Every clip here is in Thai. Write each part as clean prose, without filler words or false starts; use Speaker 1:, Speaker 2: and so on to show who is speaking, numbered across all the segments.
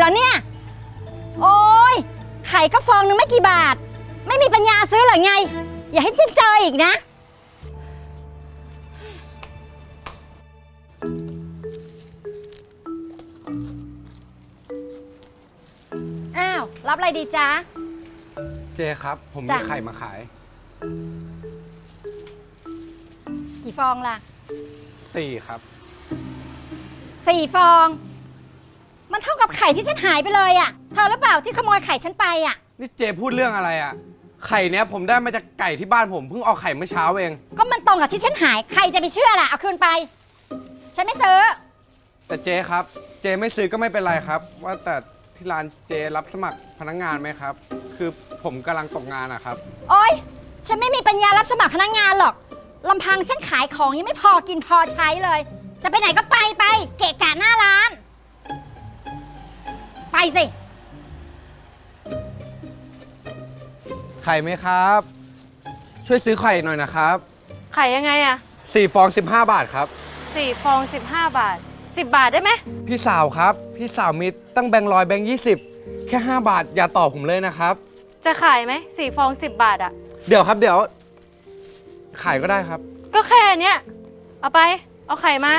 Speaker 1: แล้วเนี่ยโอ้ยไข่ก็ฟองนึงไม่กี่บาทไม่มีปัญญาซื้อหรอไงอย่าให้เจออีกนะอ้าวรับอะไรดีจ๊ะ
Speaker 2: เจครับผมมีไข่มาขาย
Speaker 1: กี่ฟองล่ะ
Speaker 2: 4ครับ
Speaker 1: 4 ฟองมันเท่ากับไข่ที่ฉันหายไปเลยอ่ะเธอหรือเปล่าที่ขโมยไข่ฉันไปอ่ะ
Speaker 2: นี่เจพูดเรื่องอะไรอ่ะไข่เนี้ยผมได้มาจากไก่ที่บ้านผมเพิ่งออกไข่เมื่อเช้าเอง
Speaker 1: ก็มันตรงกับที่ฉันหายใครจะไปเชื่อล่ะเอาคืนไปฉันไม่ซื้อ
Speaker 2: แต่เจครับเจไม่ซื้อก็ไม่เป็นไรครับว่าแต่ที่ร้านเจรับสมัครพนักงานไหมครับคือผมกำลังตกงานอะครับ
Speaker 1: โอ๊ยฉันไม่มีปัญญารับสมัครพนักงานหรอกลำพังฉันขายของยังไม่พอกินพอใช้เลยจะไปไหนก็ไปเกะกะหน้าร้านไปสิ
Speaker 2: ไข่ไหมครับช่วยซื้อไข่หน่อยนะครับ
Speaker 3: ไข่ยังไงอะ
Speaker 2: 4 ฟอง15 บาทครับ
Speaker 3: 4 ฟอง15 บาท10 บาทได้ไหม
Speaker 2: พี่สาวครับพี่สาวมีตั้งแบงค์100แบงค์20แค่5 บาทอย่าต่อผมเลยนะครับ
Speaker 3: จะขายไหม4 ฟอง10 บาทอะ
Speaker 2: เดี๋ยวครับเดี๋ยวขายก็ได้ครับ
Speaker 3: ก็แค่เนี้ยเอาไปเอาไข่มา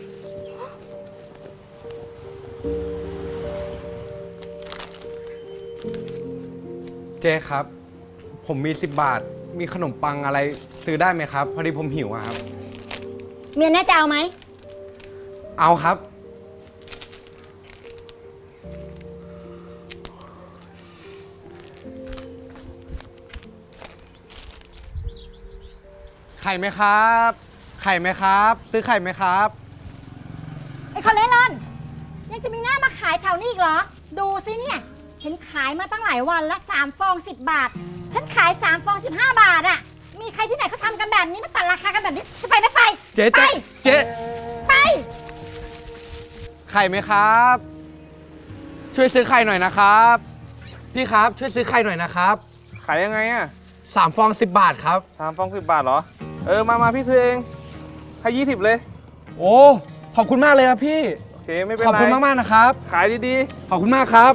Speaker 2: เจ๊ครับผมมี10 บาทมีขนมปังอะไรซื้อได้ไหมครับพอดีผมหิวครับ
Speaker 1: เมียแน่จะเอาไหม
Speaker 2: เอาครับไข่ไหมครับไข่ไหมครับซื้อไข่ไหมครับ
Speaker 1: ไอ้คนเล่ร่อนยังจะมีหน้ามาขายแถวนี้อีกเหรอดูสิเนี่ยเห็นขายมาตั้งหลายวันละ3 ฟอง10 บาทฉันขาย3 ฟอง15 บาทอะมีใครที่ไหนเขาทำกันแบบนี้มาตัดราคากันแบบนี้จะไปไม่ไป
Speaker 2: เจ๊
Speaker 1: ไป
Speaker 2: ไข่ไหมครับช่วยซื้อไข่หน่อยนะครับพี่ครับช่วยซื้อไข่หน่อยนะครับ
Speaker 4: ขายยังไงอ่ะ
Speaker 2: 3 ฟอง10 บาทครับ
Speaker 4: 3 ฟอง10 บาทเหรอมาพี่ซื้อเองให้20เลย
Speaker 2: โอ้ขอบคุณมากเลยครับพี่
Speaker 4: โอเคไม่เป็นไร
Speaker 2: ขอบคุณมากนะครับ
Speaker 4: ขายดี
Speaker 2: ๆขอบคุณมากครับ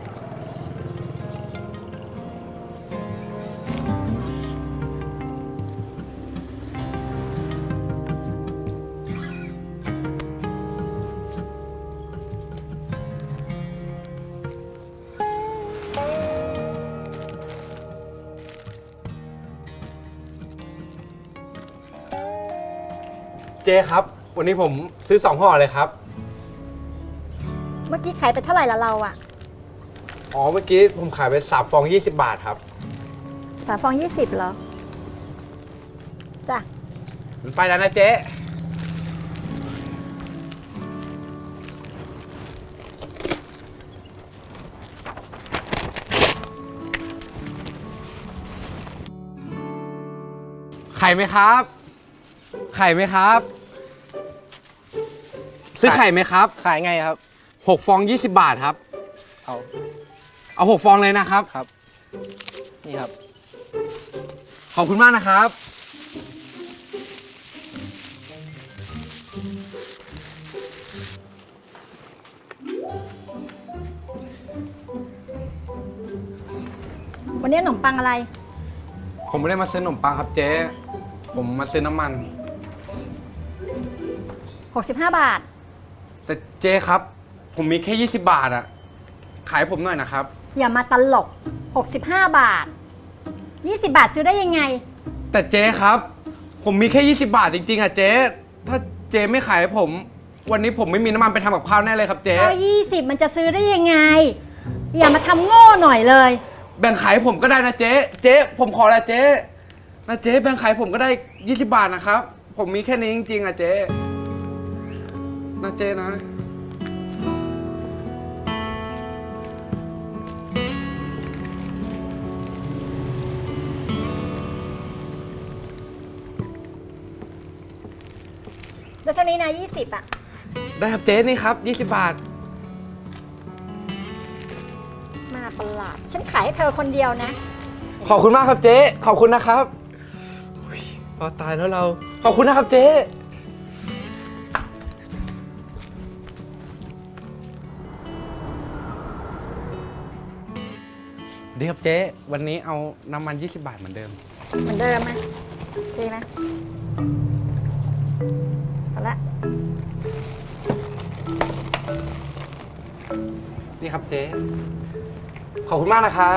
Speaker 2: เจ๊ครับวันนี้ผมซื้อ2 ห่อเลยครับ
Speaker 1: เมื่อกี้ขายไปเท่าไหร่ละเราอะ
Speaker 2: อ๋อเมื่อกี้ผมขายไป3 ฟอง20 บาทครับ
Speaker 1: 3 ฟอง20เหรอจ้ะ
Speaker 2: ไปแล้วนะเจ๊ไข่ไหมครับไข่ไหมครับซื้อไข่ไหมครับ
Speaker 4: ขายไงครับ
Speaker 2: 6 ฟอง20 บาทครับเอา6 ฟองเลยนะครับ
Speaker 4: ครับนี่ครับ
Speaker 2: ขอบคุณมากนะครับ
Speaker 1: วันนี้ขนมปังอะไร
Speaker 2: ผมไม่ได้มาซื้อขนมปังครับเจ๊ผมมาซื้อน้ำมัน
Speaker 1: 65 บาท
Speaker 2: แต่เจ๊ครับผมมีแค่20 บาทอะขายผมหน่อยนะครับ
Speaker 1: อย่ามาตลก65 บาท20 บาทซื้อได้ยังไง
Speaker 2: แต่เจ๊ครับผมมีแค่20 บาทจริงๆอะเจ๊ถ้าเจ๊ไม่ขายให้ผมวันนี้ผมไม่มีน้ำมันไปทำกับข้าวแน่เลยครับเจ๊
Speaker 1: ก็20มันจะซื้อได้ยังไงอย่ามาทำโง่หน่อยเลย
Speaker 2: แบ่งขายให้ผมก็ได้นะเจ๊ผมขอละเจ๊นะเจ๊แบ่งขายผมก็ได้20 บาทนะครับผมมีแค่นี้จริงๆอะเจ๊นะเจ๊นะ
Speaker 1: แล้วเท่านี้นะ20อะ
Speaker 2: ได้ครับเจ๊นี่ครับ20 บาท
Speaker 1: มาประหลาดฉันขายให้เธอคนเดียวนะ
Speaker 2: ขอบคุณมากครับเจ๊ขอบคุณนะครับพอตายแล้วเราขอบคุณนะครับเจ๊ดีครับเจ๊วันนี้เอาน้ำมัน20 บาทเหมือนเดิม
Speaker 1: เหมือนเดิมไหมดีไหมเอาละ
Speaker 2: นี่ครับเจ๊ขอบคุณมากนะครับ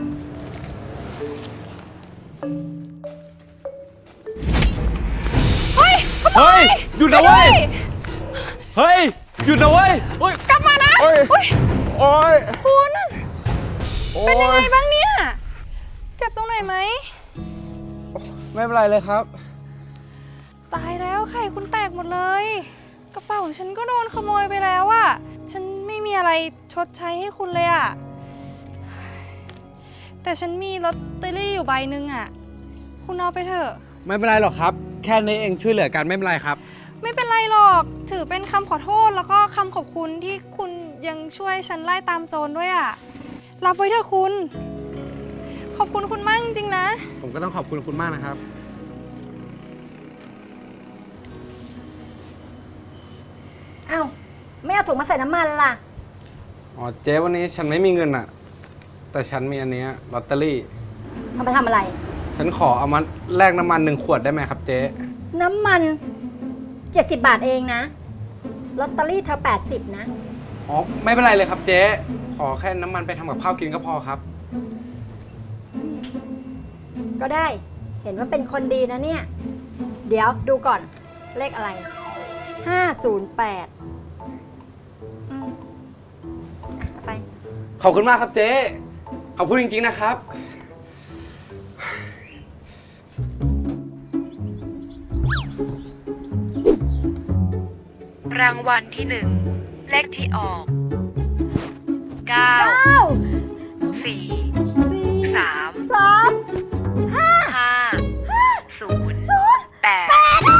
Speaker 3: เฮ้ย
Speaker 2: เฮ้ย หยุดนะเว้ย เฮ้ย หยุดนะเว้ยเฮ้ย
Speaker 3: กลับมานะ
Speaker 2: โอ้ย
Speaker 3: อุ๊ย
Speaker 2: โอ้ย
Speaker 3: คุณ
Speaker 2: โอ้
Speaker 3: เป็นยังไงบ้างเนี่ย เจ็บตรงไหนไหม
Speaker 2: ไม่เป็นไรเลยครับ
Speaker 3: ตายแล้วไข่คุณแตกหมดเลย กระเป๋าฉันก็โดนขโมยไปแล้วอะฉันไม่มีอะไรชดใช้ให้คุณเลยอะแต่ฉันมีลอตเตอรี่อยู่ใบหนึ่งอะคุณเอาไปเถอะ
Speaker 2: ไม่เป็นไรหรอกครับ แค่นี้เองช่วยเหลือกันไม่เป็นไรครับ
Speaker 3: ไม่เป็นไรหรอก ถือเป็นคำขอโทษแล้วก็คำขอบคุณที่คุณยังช่วยฉันไล่ตามโจรด้วยอะรับไว้เถอะคุณ ขอบคุณคุณมากจริงๆนะ
Speaker 2: ผมก็ต้องขอบคุณคุณมากนะครับ
Speaker 1: เอ้าไม่เอาถุงมาใส่น้ำมันล่ะ
Speaker 2: อ๋อเจ๊วันนี้ฉันไม่มีเงินอะแต่ฉันมีอันเนี้ยลอตเตอรี่
Speaker 1: เอาไปทำอะไร
Speaker 2: ฉันขอเอามาแลกน้ำมัน1 ขวดได้ไหมครับเจ๊
Speaker 1: น้ำมัน 70 บาทเองนะ ลอตเตอรี่เธอ 80 นะ
Speaker 2: อ๋อไม่เป็นไรเลยครับเจ๊ขอแค่น้ำมันไปทำกับข้าวกินก็พอครับ
Speaker 1: ก็ได้ เห็นว่าเป็นคนดีนะเนี่ย เดี๋ยวดูก่อน เลขอะไร 508เอาไป
Speaker 2: ขอบคุณมากครับเจ๊ขอบคุณจริงๆนะครับ
Speaker 5: รางวัลที่ 1 เลขที่ออก 9 4 3 5 0 8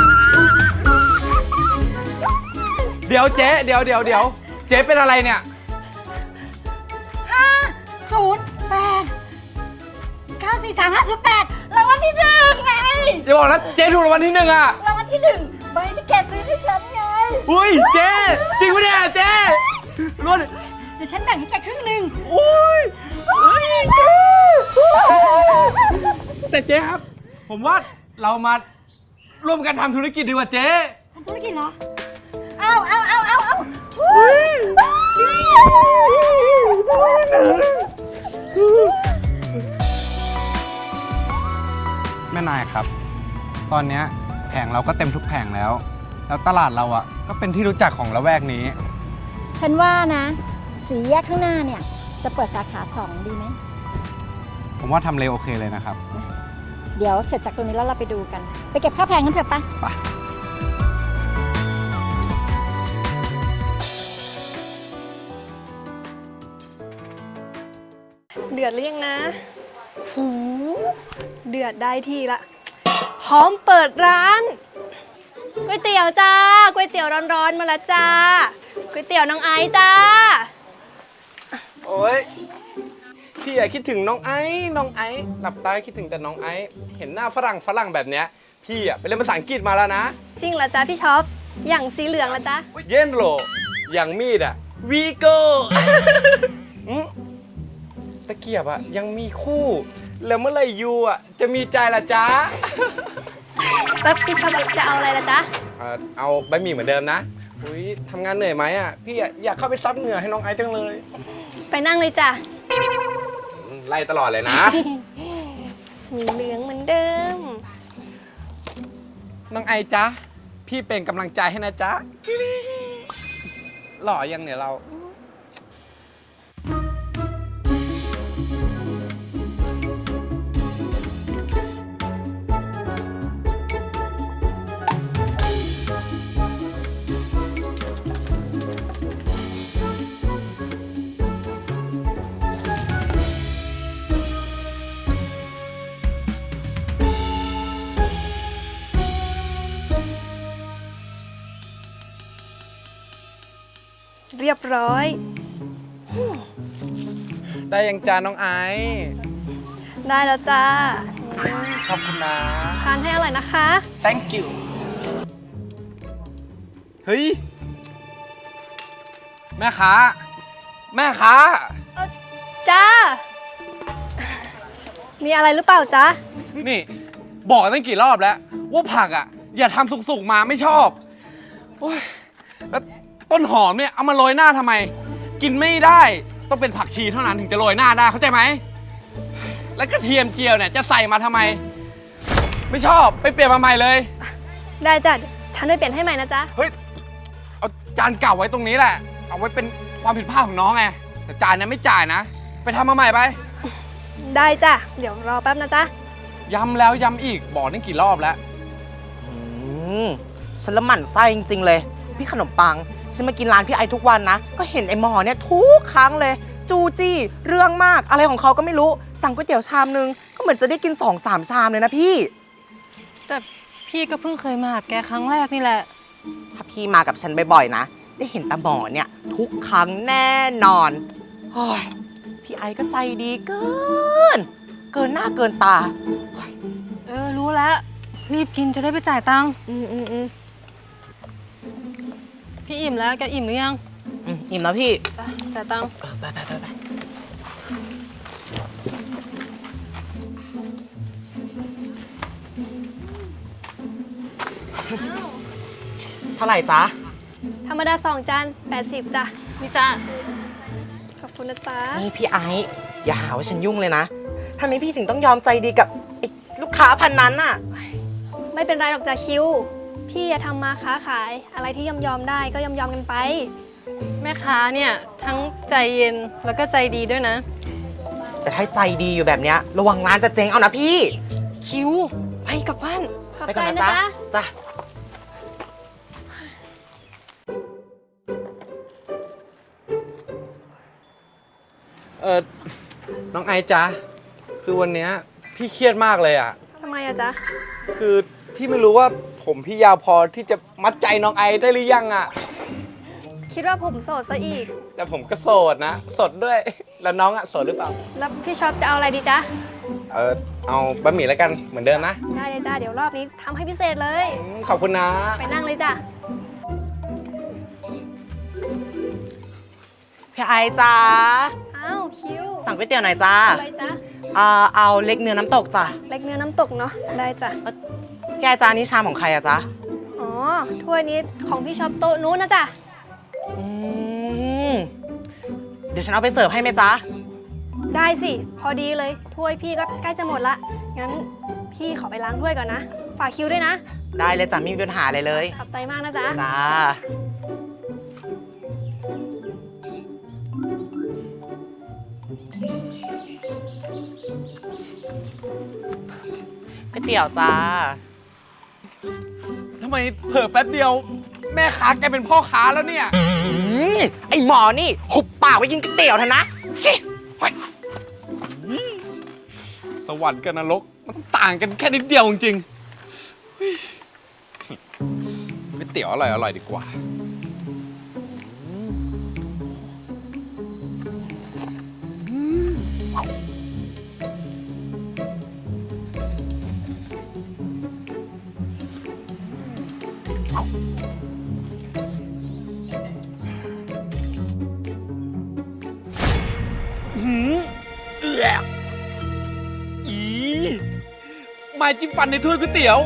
Speaker 2: เดี๋ยวเจ๊เดี๋ยวเจ๊เป็นอะไรเนี่ย
Speaker 1: 508 รางวัลที่หนึ่งไง
Speaker 2: อย่าบอกนะเจ๊ถูกรางวัลที่1อะ
Speaker 1: รางวัลที่หนึ่งใบที่แกซื้อให้ฉันไง
Speaker 2: อุ้ยเจ๊จริงปะเนี่ยเจ๊รวด
Speaker 1: เดี๋ยวฉันแบ่งให้แกครึ่งหนึ่ง
Speaker 2: อุ้ยแต่เจ๊ครับ ผมว่าเรามาร่วมกันทำธุรกิจดีกว่าเจ๊
Speaker 1: ทำธุรกิจเหรอ เอา
Speaker 2: แม่นายครับ ตอนเนี้ยแผงเราก็เต็มทุกแผงแล้ว แล้วตลาดเราอ่ะก็เป็นที่รู้จักของละแวกนี้
Speaker 1: ฉันว่านะ สีแยกข้างหน้าเนี่ย จะเปิดสาขา 2 ดีไหม
Speaker 2: ผมว่าทำเลโอเคเลยนะครับ
Speaker 1: เดี๋ยวเสร็จจากตรงนี้แล้วเราไปดูกัน ไปเก็บค่าแพงกันเถอะปะ
Speaker 2: ไป
Speaker 3: เดือดหรือยังนะหูเดือดได้ทีละ พร้อมเปิดร้านก๋วยเตี๋ยวจ้าก๋วยเตี๋ยวร้อนๆมาแล้วจ้าก๋วยเตี๋ยวน้องไอซ์จ้า
Speaker 2: โอ้ยพี่อย่าคิดถึงน้องไอ้หลับตาคิดถึงแต่น้องไอ้เห็นหน้าฝรั่งแบบเนี้ยพี่อ่ะไปเรียนภาษาอังกฤษมาแล้วนะ
Speaker 3: จริงเหรอจ้าพี่ช็อปอย่างสีเหลืองละจ้า
Speaker 2: เย็นโหลอย่างมีดอ่ะวีโก้ ตะเกียบอ่ะยังมีคู่ แล้วเมื่อไหร่ยูอ่ะจะมีใจล่ะจ๊ะ
Speaker 3: แล้วพี่ช็อปจะเอาอะไรละจ๊ะ
Speaker 2: เอาบะหมี่เหมือนเดิมนะอุ้ยทำงานเหนื่อยไหมอ่ะพี่อยากเข้าไปซับเหงื่อให้น้องไอซ์จังเลย
Speaker 3: ไปนั่งเลยจ้ะ
Speaker 2: ไล่ตลอดเลยนะ
Speaker 3: เหลืองเหมือนเดิม
Speaker 2: น้องไอจ๊ะ พี่เป็นกำลังใจให้นะจ๊ะ หล่อยังเนี่ยเรา
Speaker 3: เรียบร้อย
Speaker 2: ได้ยังจ้าน้องไอซ์
Speaker 3: ได้แล้วจ้า
Speaker 2: ขอบคุณนะ
Speaker 3: ทานให้อร่อยนะคะ
Speaker 2: thank you เฮ้ย แม่ค้า
Speaker 3: จ้ามีอะไรหรือเปล่าจ๊ะ
Speaker 2: นี่ บอกตั้งกี่รอบแล้ว ว่าผักอ่ะ อย่าทำสุกๆมาไม่ชอบโอ้ยแล้วต้นหอมเนี่ยเอามาโรยหน้าทำไม กินไม่ได้ต้องเป็นผักชีเท่านั้นถึงจะโรยหน้าได้เข้าใจไหม แล้วกระเทียมเจียวเนี่ยจะใส่มาทำไม ไม่ชอบไปเปลี่ยนมาใหม่เลย
Speaker 3: ได้จ้ะเดี๋ยวฉันไปเปลี่ยนให้ใหม่นะจ๊ะ
Speaker 2: เฮ้ย เอาจานเก่าไว้ตรงนี้แหละ เอาไว้เป็นความผิดพลาดของน้องไง แต่จานนั้นไม่จ่ายนะ ไปทำมาใหม่ไป
Speaker 3: ได้จ้ะ เดี๋ยวรอแป๊บนะจ๊ะ
Speaker 2: ย้ำแล้วย้ำอีก บอกตั้งกี่รอบแล้ว
Speaker 6: อืมฉันละหมั่นไส้จริง ๆ เลย พี่ขนมปัง ฉันมากินร้านพี่ไอทุกวันนะ ก็เห็นไอหมอเนี่ยทุกครั้งเลย จูจี้ เรื่องมาก อะไรของเขาก็ไม่รู้ สั่งก๋วยเตี๋ยวชามนึง ก็เหมือนจะได้กิน 2-3 ชามเลยนะพี่
Speaker 7: แต่พี่ก็เพิ่งเคยมาหาแกครั้งแรกนี่แหละ
Speaker 6: ถ้าพี่มากับฉันบ่อยๆนะ ได้เห็นตาหมอเนี่ย ทุกครั้งแน่นอนโอ้ยพี่ไอก็ใจดีเกิน เกินหน้าเกินตา
Speaker 7: รู้แล้ว รีบกินจะได้ไปจ่ายตังค์
Speaker 6: อืม
Speaker 7: พี่อิ่มแล้ว แกอิ่มหรือยัง
Speaker 6: อิ่มแล้วพี่
Speaker 7: ไปจ่ายตังค์
Speaker 6: ไปเท่าไหร่จ๊ะ
Speaker 3: ธรรมดา2 จาน 80จ้ะ
Speaker 7: นี่จ้า
Speaker 3: ขอบคุณนะจ๊ะ
Speaker 6: นี่พี่ไอซ์อย่าหาว่าฉันยุ่งเลยนะทำไมพี่ถึงต้องยอมใจดีกับไอ้ลูกค้าพันนั้นน่ะ
Speaker 3: ไม่เป็นไรหรอกจ้ะคิว พี่อย่าทำมาค้าขาย อะไรที่ยอมได้ก็ยอมกันไป
Speaker 7: แม่ค้าเนี่ยทั้งใจเย็นแล้วก็ใจดีด้วยนะ
Speaker 6: แต่ถ้าใจดีอยู่แบบเนี้ยระวังร้านจะเจ๊งเอานะพี่
Speaker 7: คิว ไปกลับบ้าน
Speaker 3: ขอบ
Speaker 6: ไป
Speaker 3: ใจ
Speaker 6: ก่อนนะ
Speaker 3: นะ
Speaker 6: จ๊ะ
Speaker 3: จ๊ะ
Speaker 6: จ้ะ
Speaker 2: น้องไอจ๊ะ คือวันเนี้ยพี่เครียดมากเลยอ่ะ
Speaker 3: ทำไมอะจ๊ะ
Speaker 2: คือพี่ไม่รู้ว่าผมพี่ยาวพอที่จะมัดใจน้องไอได้หรือยังอ่ะ
Speaker 3: คิดว่าผมโสดซะอีก
Speaker 2: แต่ผมก็โสดนะ สดด้วย แล้วน้องอ่ะโสดหรือเปล่า
Speaker 3: แล้วพี่ช็อปจะเอาอะไรดีจ๊ะ
Speaker 2: เอาบะหมี่แล้วกันเหมือนเดิมนะ
Speaker 3: ได้เลยจ้ะ เดี๋ยวรอบนี้ทำให้พิเศษเลย
Speaker 2: ขอบคุณนะ
Speaker 3: ไปนั่งเลยจ้ะ
Speaker 6: พี่ไอซ์จ้า
Speaker 3: อ้าวคิว
Speaker 6: สั่งก๋วยเตี๋ยวหน่อยจ้า
Speaker 3: อะไรจ๊ะ
Speaker 6: เอาเล็กเนื้อน้ำตกจ้ะ
Speaker 3: เล็กเนื้อน้ำตกเนาะ ได้จ้ะ
Speaker 6: พี่ไอซ์จ้านี่ชามของใครอะจ๊ะ
Speaker 3: อ๋อ ถ้วยนี้ของพี่ช็อปโต๊ะนู้นนะจ๊ะ
Speaker 6: อืมเดี๋ยวฉันเอาไปเสิร์ฟให้ไหมจ๊ะ
Speaker 3: ได้สิ พอดีเลย ถ้วยพี่ก็ใกล้จะหมดละ งั้นพี่ขอไปล้างถ้วยก่อนนะ ฝากคิวด้วยนะ
Speaker 6: ได้เลยจ้ะไม่มีปัญหาอะไรเลย
Speaker 3: ขอบใจมากนะจ๊ะ
Speaker 6: จ้า ก๋วยเตี๋ยวจ้า
Speaker 2: ทำไมเผลอแป๊บเดียว แม่ค้าแกเป็นพ่อค้าแล้วเนี่ย
Speaker 6: ไอหมอนี่หุบปากไว้กินก๋วยเตี๋ยวเถอะนะสิเฮ้ย
Speaker 2: สวรรค์กับนรกมันต่างกันแค่นิดเดียวจริงๆเฮ้ยก๋วยเตี๋ยวอร่อยดีกว่า อีไม้จิ้มฟันในถ้วยก๋วยเตี๋ยว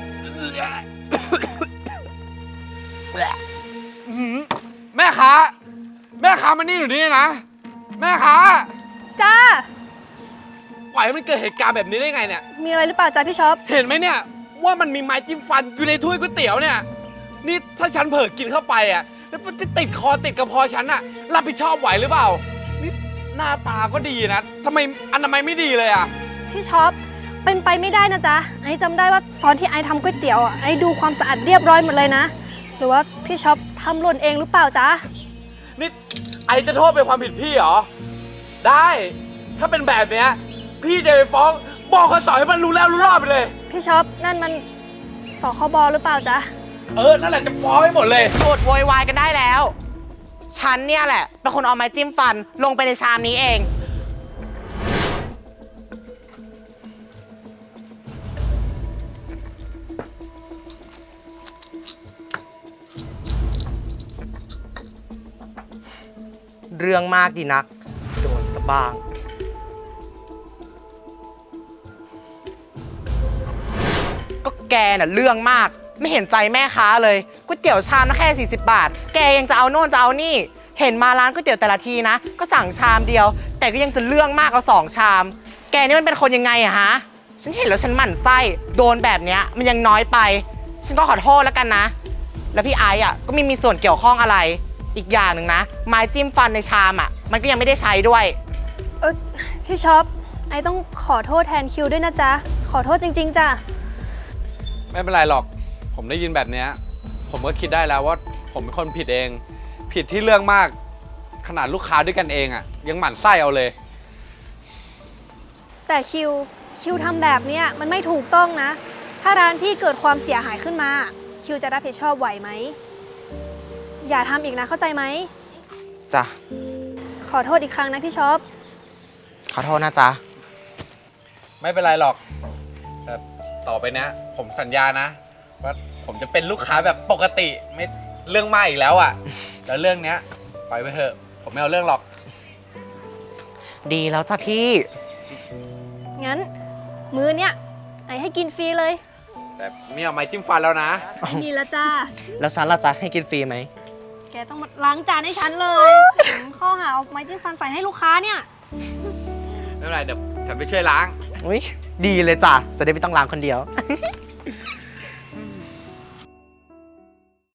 Speaker 2: แม่ค้ามานี่หนูนี่นะ แม่ค้า
Speaker 3: จ้า
Speaker 2: ปล่อยให้มันเกิดเหตุการณ์แบบนี้ได้ไงเนี่ย
Speaker 3: มีอะไรหรือเปล่าจ๊ะพี่ช็อป
Speaker 2: เห็นไหมเนี่ยว่ามันมีไม้จิ้มฟันอยู่ในถ้วยก๋วยเตี๋ยวเนี่ย นี่ถ้าฉันเผลอกินเข้าไปอ่ะแล้วมันจะติดคอติดกระเพาะฉันอ่ะรับผิดชอบไหวหรือเปล่า นี่หน้าตาก็ดีนะทำไมอนามัยไม่ดีเลยอ่ะ
Speaker 3: พี่ช็อป เป็นไปไม่ได้นะจ๊ะ ไอ้จำได้ว่าตอนที่ไอ้ทำก๋วยเตี๋ยวอ่ะไอ้ดูความสะอาดเรียบร้อยหมดเลยนะ หรือว่าพี่ช็อปทำหล่นเองหรือเปล่าจ๊ะ
Speaker 2: นี่ไอจะโทษเป็นความผิดพี่เหรอ ได้ ถ้าเป็นแบบเนี้ยพี่จะไปฟ้องบอกเขาสอนให้มันรู้แล้วรู้รอดไปเลย
Speaker 3: พี่ช็อปนั่นมันสคบหรือเปล่าจ๊ะ
Speaker 2: นั่นแหละจะฟ้องให้หมดเลย
Speaker 6: โกรธโวยวายกันได้แล้ว ฉันเนี่ยแหละเป็นคนเอาไม้จิ้มฟันลงไปในชามนี้เอง เรื่องมากดีนัก โดนสะบ้างแกน่ะเรื่องมาก ไม่เห็นใจแม่ค้าเลยก๋วยเตี๋ยวชามนะแค่40 บาท แกยังจะเอาโน่นจะเอานี่ เห็นมาร้านก๋วยเตี๋ยวแต่ละทีนะ ก็สั่งชามเดียว แต่ก็ยังจะเรื่องมากเอา2 ชาม แกนี่มันเป็นคนยังไงอะฮะ ฉันเห็นแล้วฉันหมั่นไส้ โดนแบบเนี้ยมันยังน้อยไป ฉันก็ขอโทษแล้วกันนะ แล้วพี่ไอ้อะก็ไม่มีส่วนเกี่ยวข้องอะไร อีกอย่างหนึ่งนะ ไม้จิ้มฟันในชามอะมันก็ยังไม่ได้ใช้ด้วย
Speaker 3: พี่ช็อปไอต้องขอโทษแทนคิวด้วยนะจ๊ะ ขอโทษจริงๆจ้ะ
Speaker 2: ไม่เป็นไรหรอก ผมได้ยินแบบเนี้ยผมก็คิดได้แล้วว่าผมเป็นคนผิดเอง ผิดที่เรื่องมาก ขนาดลูกค้าด้วยกันเองอะยังหมั่นไส้เอาเลย
Speaker 3: แต่คิวทำแบบเนี้ยมันไม่ถูกต้องนะ ถ้าร้านพี่เกิดความเสียหายขึ้นมาคิวจะรับผิดชอบไหวไหม อย่าทำอีกนะเข้าใจไหม
Speaker 6: จ้ะ
Speaker 3: ขอโทษอีกครั้งนะพี่ช็อป
Speaker 6: ขอโทษนะจ๊ะ
Speaker 2: ไม่เป็นไรหรอกแต่ต่อไปเนี้ยผมสัญญานะ ว่าผมจะเป็นลูกค้าแบบปกติไม่เรื่องมากอีกแล้วอ่ะ แล้วเรื่องเนี้ยปล่อยไปเถอะ ผมไม่เอาเรื่องหรอก
Speaker 6: ดีแล้วจ้ะพี่
Speaker 3: งั้น มื้อเนี้ยไอให้กินฟรีเลย
Speaker 2: แต่ไม่เอาไม้จิ้มฟันแล้วนะ
Speaker 3: ไม่มีแล้วจ้า
Speaker 6: แล้วฉันล่ะจ๊ะให้กินฟรีไหม
Speaker 3: แกต้องมาล้างจานให้ฉันเลยข้อหาเอาไม้จิ้มฟันใส่ให้ลูกค้าเนี่ย
Speaker 2: ไม่เป็นไรเดี๋ยวฉันไปช่วยล้าง
Speaker 6: อุ้ยดีเลยจ้ะ จะได้ไม่ต้องล้างคนเดียว